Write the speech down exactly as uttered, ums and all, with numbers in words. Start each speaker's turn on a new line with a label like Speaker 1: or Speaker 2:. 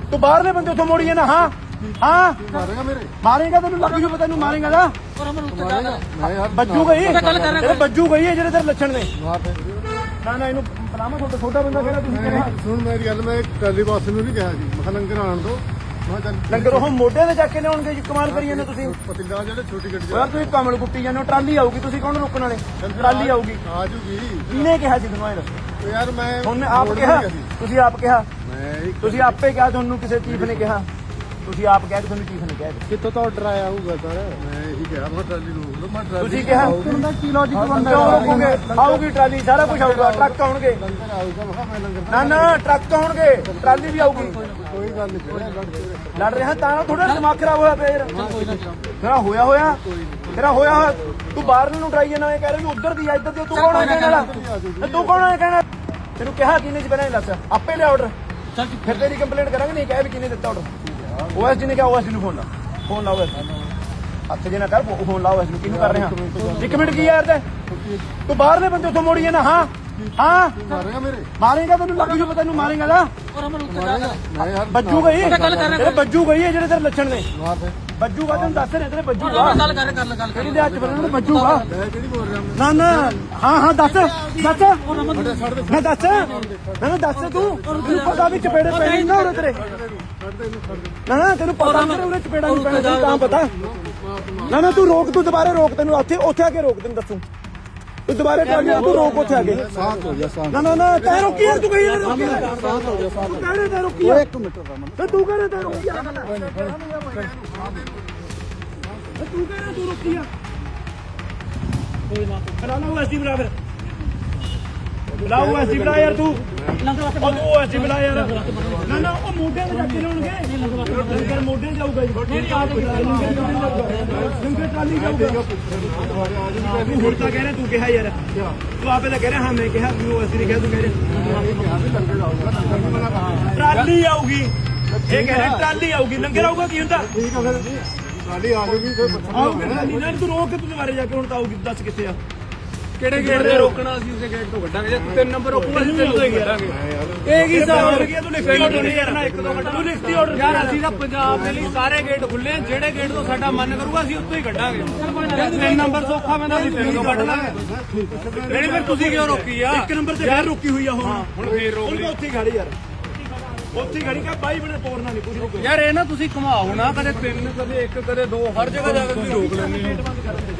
Speaker 1: ਤੂੰ ਬਾਹਰਲੇ ਬੰਦੇ ਉੱਥੋਂ ਮੋੜੀ ਨਾ। ਹਾਂ ਹਾਂ
Speaker 2: ਮਾਰੇਗਾ ਮੇਰੇ
Speaker 1: ਮਾਰੇਗਾ ਤੈਨੂੰ ਲੱਗ ਜੂ ਪਤਾ ਤੈਨੂੰ ਮਾਰੇਗਾ ਦਾ
Speaker 2: ਮੈਂ ਯਾਰ
Speaker 1: ਬੱਜੂ ਗਈ ਤੇਰੇ ਬੱਜੂ ਗਈ ਹੈ ਜਿਹੜੇ ਤੇਰੇ ਲੱਛਣ ਨੇ।
Speaker 2: ਮਾਰ ਦੇ
Speaker 1: ਨਾ ਨਾ ਇਹਨੂੰ ਪਲਾਮਾ ਤੁਹਾਡਾ ਛੋਟਾ ਬੰਦਾ ਕਿਹੜਾ ਤੁਸੀਂ ਕਿਹੜਾ
Speaker 2: ਸੁਣ ਮੇਰੀ ਗੱਲ ਮੈਂ ਟਰਾਲੀ ਬਾਸ ਨੂੰ ਨਹੀਂ ਕਿਹਾ ਜੀ ਮੈਂ ਕਿਹਾ ਲੰਗਰ ਆਣ ਦੋ ਮੈਂ ਚੱਲ
Speaker 1: ਲੰਗਰ ਉਹ ਮੋਢੇ ਤੇ ਜਾ ਕੇ ਲਿਆਉਣਗੇ ਜੀ ਕਮਾਲ ਕਰੀ ਜਾਂਦੇ ਤੁਸੀਂ।
Speaker 2: ਪਤਿੰਦਾ ਜਿਹੜੇ ਛੋਟੀ ਗੱਡੀ
Speaker 1: ਯਾਰ ਤੁਸੀਂ ਕਮਲ ਕੁੱਟੀ ਜਾਂਦੇ ਹੋ ਟਰਾਲੀ ਆਊਗੀ ਤੁਸੀਂ ਕੌਣ ਰੋਕਣ ਵਾਲੇ ਟਰਾਲੀ ਆਊਗੀ
Speaker 2: ਆ ਜੂਗੀ
Speaker 1: ਕਿਹਨੇ ਕਿਹਾ ਸੀ ਤੁਹਾਨੂੰ ਇਹ ਦੱਸੋ
Speaker 2: ਯਾਰ ਮੈਂ
Speaker 1: ਉਹਨੇ ਆਪ ਕਿਹਾ ਤੁਸੀਂ ਆਪ ਕਿਹਾ
Speaker 2: ਮੈਂ ਇੱਕ
Speaker 1: ਤੁਸੀਂ ਆਪੇ ਕਿਹਾ ਤੁਹਾਨੂੰ ਕਿਸੇ ਚੀਫ ਨੇ ਕਿਹਾ ਤੁਸੀਂ ਆਪ ਕਹਿ ਕੇ ਤੁਹਾਨੂੰ ਚੀਫ ਨੇ ਕਿਹਾ
Speaker 2: ਕਿੱਥੋਂ ਤੋਂ ਆਰਡਰ ਆਇਆ ਹੋਊਗਾ ਸਰ ਮੈਂ ਇਹੀ ਕਿਹਾ ਮੈਂ ਟਰਾਲੀ ਨੂੰ ਰੋਕ ਲਓ ਮੈਂ ਟਰਾਲੀ
Speaker 1: ਤੁਸੀਂ ਕਿਹਾ
Speaker 2: ਦਾ ਕੀ ਲੌਜੀਕ ਬਣਦਾ
Speaker 1: ਕਿਉਂ ਰੋਕੋਗੇ ਆਊਗੀ ਟਰਾਲੀ ਸਾਰਾ ਕੁਝ ਆਊਗਾ ਟਰੱਕ ਆਉਣਗੇ
Speaker 2: ਲੰਗਰ ਆਊਗਾ ਮੈਂ ਕਿਹਾ ਮੈਂ ਲੰਗਰ
Speaker 1: ਨਾ ਨਾ ਟਰੱਕ ਆਉਣਗੇ ਟਰਾਲੀ ਵੀ ਆਊਗੀ
Speaker 2: ਕੋਈ ਗੱਲ ਨਹੀਂ ਕੋਈ ਲੜ ਕੇ
Speaker 1: ਲੜ ਰਿਹਾ ਤਾਂ ਥੋੜਾ ਦਿਮਾਗ ਖਰਾਬ ਹੋਇਆ ਪਿਆ ਯਾਰ ਤੇਰਾ ਹੋਇਆ ਹੋਇਆ ਤੇਰਾ ਹੋਇਆ ਹੋਇਆ ਤੂੰ ਬਾਹਰ ਨੂੰ ਡਰਾਈ ਜਾਣਾ ਇਹ ਕਹਿ ਰਿਹਾ ਵੀ ਉਧਰ ਦੀ ਆ ਇੱਧਰ ਦੀ ਤੂੰ ਕੌਣ ਹੈ ਕਹਿਣ ਵਾਲਾ ਤੇ ਤੂੰ ਕੌਣ ਹੈ ਕਹਿਣਾ ਤੈਨੂੰ ਕਿਹਾ ਕਿਹਨੇ ਚ ਬਣਾਇਆ ਦੱਸ ਆਪੇ ਲਿਆ ਆਰਡਰ ਫਿਰ ਤੇਰੀ ਕੰਪਲੇਂਟ ਕਰਾਂਗੇ ਨਹੀਂ ਕਹਿ ਵੀ ਕਿਹਨੇ ਦਿੱਤਾ ਆਰਡਰ ਓਐਸ ਜੀ ਨੇ ਕਿਹਾ ਓਐਸ ਨੂੰ ਫੋਨ ਲਾ ਫੋਨ ਲਾ ਓਐਸ ਹੱਥ ਜੇ ਨਾ ਕਰ ਫੋਨ ਲਾ ਓਐਸ ਨੂੰ ਕਿਹਨੂੰ ਕਰ ਰਿਹਾ ਇੱਕ ਮਿੰਟ ਕੀ ਯਾਰ ਤੇ ਤੂੰ ਬਾਹਰਲੇ ਬੰਦੇ ਉੱਥੋਂ ਮੋੜੀ ਨਾ। ਹਾਂ ਹਾਂ
Speaker 2: ਮਾਰੇਗਾ ਮੇਰੇ
Speaker 1: ਮਾਰੇਗਾ ਤੈਨੂੰ ਲੱਗ ਜੂ ਪਤਾ ਤੈਨੂੰ ਮਾਰੇਗਾ ਦਾ
Speaker 2: ਮੈਂ ਯਾਰ
Speaker 1: ਬੱਜੂ ਗਈ ਤੇਰੇ ਬੱਜੂ ਗਈ ਹੈ ਜਿਹੜੇ ਤੇਰੇ ਲੱਛਣ ਨੇ।
Speaker 2: ਮਾਰ ਦੇ
Speaker 1: ਬੱਜੂਗਾ ਤੈਨੂੰ ਦੱਸ ਰਿਹਾ ਤੇਰੇ ਬੱਜੂਗਾ ਗੱਲ ਕਰ ਗੱਲ ਗੱਲ ਕਿਹੜੀ ਦੇ ਹੱਥ ਬੰਨਣ ਨੂੰ ਬੱਜੂਗਾ
Speaker 2: ਮੈਂ ਕਿਹੜੀ ਬੋਲ ਰਿਹਾ
Speaker 1: ਨਾ ਨਾ ਹਾਂ ਹਾਂ ਦੱਸ ਦੱਸ ਮੈਂ ਦੱਸ ਮੈਨੂੰ ਦੱਸ ਤੂੰ ਤੈਨੂੰ ਪਤਾ ਵੀ ਚਪੇੜੇ ਪੈਣੇ ਨਾ ਉਰੇ ਤੇਰੇ ਨਾ ਨਾ ਤੈਨੂੰ ਪਤਾ ਮੇਰੇ ਉਰੇ ਚਪੇੜਾ ਨਹੀਂ ਪੈਣਾ ਤੈਨੂੰ ਤਾਂ ਪਤਾ ਨਾ ਨਾ ਤੂੰ ਰੋਕ ਤੂੰ ਦੁਬਾਰਾ ਰੋਕ ਤੈਨੂੰ ਉੱਥੇ ਉੱਥੇ ਆ ਕੇ ਰੋਕ ਤੈਨੂੰ ਦੱਸੂ ਤੂੰ ਦੁਬਾਰਾ ਟਰਾਲੀ ਤੂੰ ਰੋਕ ਉੱਥੇ ਆ ਕੇ
Speaker 2: ਸਾਥ ਹੋ ਜਾ ਸਾਥ
Speaker 1: ਨਾ ਨਾ ਨਾ ਤੈ ਰੋਕੀ ਯਾਰ ਤੂੰ ਕਹੀ ਯਾਰ ਰੋਕੀ
Speaker 2: ਸਾਥ ਹੋ ਜਾ ਸਾਥ
Speaker 1: ਤੂੰ ਕਹਿ ਤੈ ਰੋਕੀ ਯਾਰ
Speaker 2: ਇੱਕ ਮਿੰਟ ਰਮਨ
Speaker 1: ਤੇ ਤੂੰ ਕਹਿ ਤੈ ਰੋਕੀ ਯਾਰ ਤੂੰ ਕਹਿ ਰਿਹਾ ਤੂੰ ਰੋਕੀ ਆ ਕੋਈ ਨਾ ਬਣਾ ਲਾ ਐਸੀ ਬਣਾ ਫਿਰ ਬੁਲਾਓ ਐਸੀ ਬਣਾ ਯਾਰ ਤੂੰ ਉਹ ਐਸੀ ਬਣਾ ਯਾਰ ਨਾ ਨਾ ਉਹ ਮੋਢੇ ਤੇ ਜਾ ਕੇ ਲਾਉਣਗੇ ਲੰਗਰ ਮੋਢੇ ਜਾਊਗਾ ਜੀ ਲੰਗਰ ਟਰਾਲੀ ਜਾਊਗਾ ਤੂੰ ਹੁਣ ਤਾਂ ਕਹਿ ਰਿਹਾ ਤੂੰ ਕਿਹਾ ਯਾਰ ਤੂੰ ਆਪੇ ਤਾਂ ਕਹਿ ਰਿਹਾ ਹਾਂ ਮੈਂ ਕਿਹਾ ਤੂੰ ਐਸੀ ਨਹੀਂ ਕਿਹਾ ਤੂੰ ਕਹਿ ਰਿਹਾ ਟਰਾਲੀ ਆਊਗੀ ਇਹ ਕਹਿ ਰਿਹਾ ਟਰਾਲੀ ਆਊਗੀ ਲੰਗਰ ਆਊਗਾ ਕੀ ਹੁੰਦਾ
Speaker 2: ਠੀਕ ਆ ਫਿਰ ਟਰਾਲੀ ਆ ਜੂਗੀ ਫਿਰ
Speaker 1: ਆਊਗੀ ਟਰਾਲੀ ਨਾਲ ਤੂੰ ਰੋਕ ਕੇ ਤੂੰ ਦੁਬਾਰੇ ਜਾ ਕੇ ਹੁਣ ਤਾਂ ਆਊਗੀ ਦੱਸ ਕਿੱਥੇ ਆ
Speaker 3: ਕਿਹੜੇ ਗੇਟ ਤੇ ਰੋਕਣਾ ਅਸੀਂ ਉਸੇ ਗੇਟ ਤੋਂ ਕੱਢਾਂਗੇ ਜੇ ਤਿੰਨ ਨੰਬਰ ਰੋਕੂਗਾ ਅਸੀਂ ਤਿੰਨ ਤੋਂ ਹੀ ਕੱਢਾਂਗੇ
Speaker 1: ਇਹ ਕੀ ਹਿਸਾਬ ਹੋ ਗਿਆ ਤੂੰ ਲਿਖਤੀ ਆਰਡਰ ਨਹੀਂ ਕਰਨਾ ਇੱਕ ਦੋ ਮਿੰਟ ਤੂੰ ਲਿਖਤੀ ਆਰਡਰ
Speaker 3: ਯਾਰ ਅਸੀਂ ਤਾਂ ਪੰਜਾਬ ਦੇ ਲਈ ਸਾਰੇ ਗੇਟ ਖੁੱਲੇ ਆ ਜਿਹੜੇ ਗੇਟ ਤੋਂ ਸਾਡਾ ਮਨ ਕਰੂਗਾ ਅਸੀਂ ਉੱਥੋਂ ਹੀ ਕੱਢਾਂਗੇ ਜੇ ਤਿੰਨ ਨੰਬਰ ਸੌਖਾ ਪੈਂਦਾ ਅਸੀਂ ਤਿੰਨ ਤੋਂ ਕੱਢ ਲਾਂਗੇ ਜਿਹੜੀ ਫਿਰ ਤੁਸੀਂ ਕਿਉਂ ਰੋਕੀ ਆ
Speaker 1: ਇੱਕ ਨੰਬਰ ਤੇ ਫੇਰ ਰੁਕੀ ਹੋਈ ਆ ਹੁਣ
Speaker 3: ਹੁਣ ਫੇਰ ਰੋਕ ਲਈ
Speaker 1: ਉੱਥੇ ਖੜੀ ਯਾਰ ਉੱਥੇ ਖੜੀ ਕਾ ਬਾਈ ਬਣੇ ਤੋੜਨਾ ਨਹੀਂ ਕੁਝ ਰੁਕੋ
Speaker 3: ਯਾਰ ਇਹ ਨਾ ਤੁਸੀਂ ਘੁਮਾਓ ਨਾ ਕਦੇ ਤਿੰਨ ਕਦੇ ਇੱਕ ਕਦੇ ਦੋ ਹਰ ਜਗ੍ਹਾ ਜਾ ਕੇ ਤੁਸੀਂ ਰੋਕ ਲੈਂਦੇ ਹੋ